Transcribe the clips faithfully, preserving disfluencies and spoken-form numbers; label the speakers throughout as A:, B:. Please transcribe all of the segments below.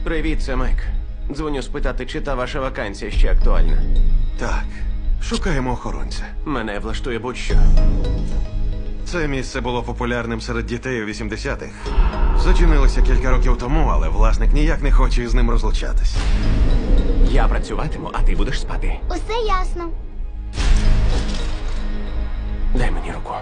A: Привіт, це Майк. Дзвоню спитати, чи та ваша вакансія ще актуальна.
B: Так, шукаємо охоронця.
A: Мене влаштує будь-що.
B: Це місце було популярним серед дітей у вісімдесятих. Зачинилося кілька років тому, але власник ніяк не хоче з ним розлучатись.
A: Я працюватиму, а ти будеш спати.
C: Усе ясно.
A: Дай мені руку.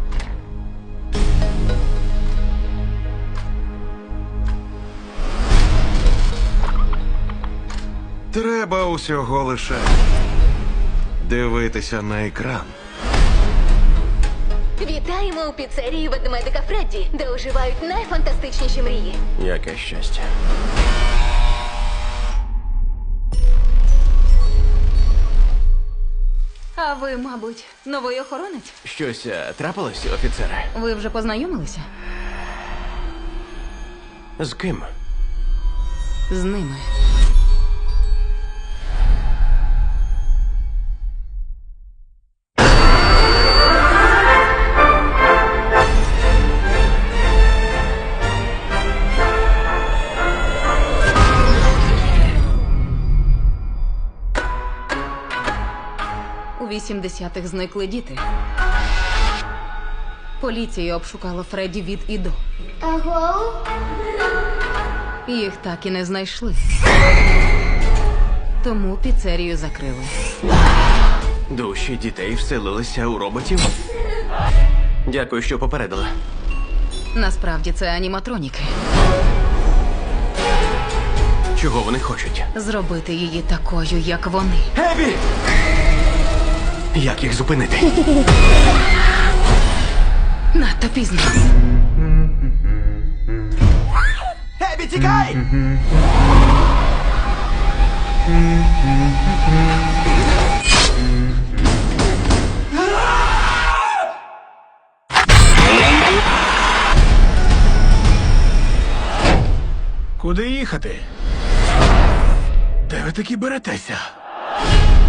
B: Треба усього лише дивитися на екран.
D: Вітаємо у піцерії ведмедика Фредді, де оживають найфантастичніші мрії.
A: Яке щастя.
E: А ви, мабуть, новий охоронець?
A: Щось е, трапилось, офіцере?
E: Ви вже познайомилися?
A: З ким?
E: З ними. У вісімдесятих зникли діти. Поліція обшукала Фредді від і до.
C: Аго?
E: Їх так і не знайшли. Тому піцерію закрили.
A: Душі дітей вселилися у роботів? Дякую, що попередила.
E: Насправді це аніматроніки.
A: Чого вони хочуть?
E: Зробити її такою, як вони.
A: Ебі! Як їх зупинити?
E: Надто пізно.
A: Ебі, тікай!
F: Куди їхати? Де ви такі беретеся?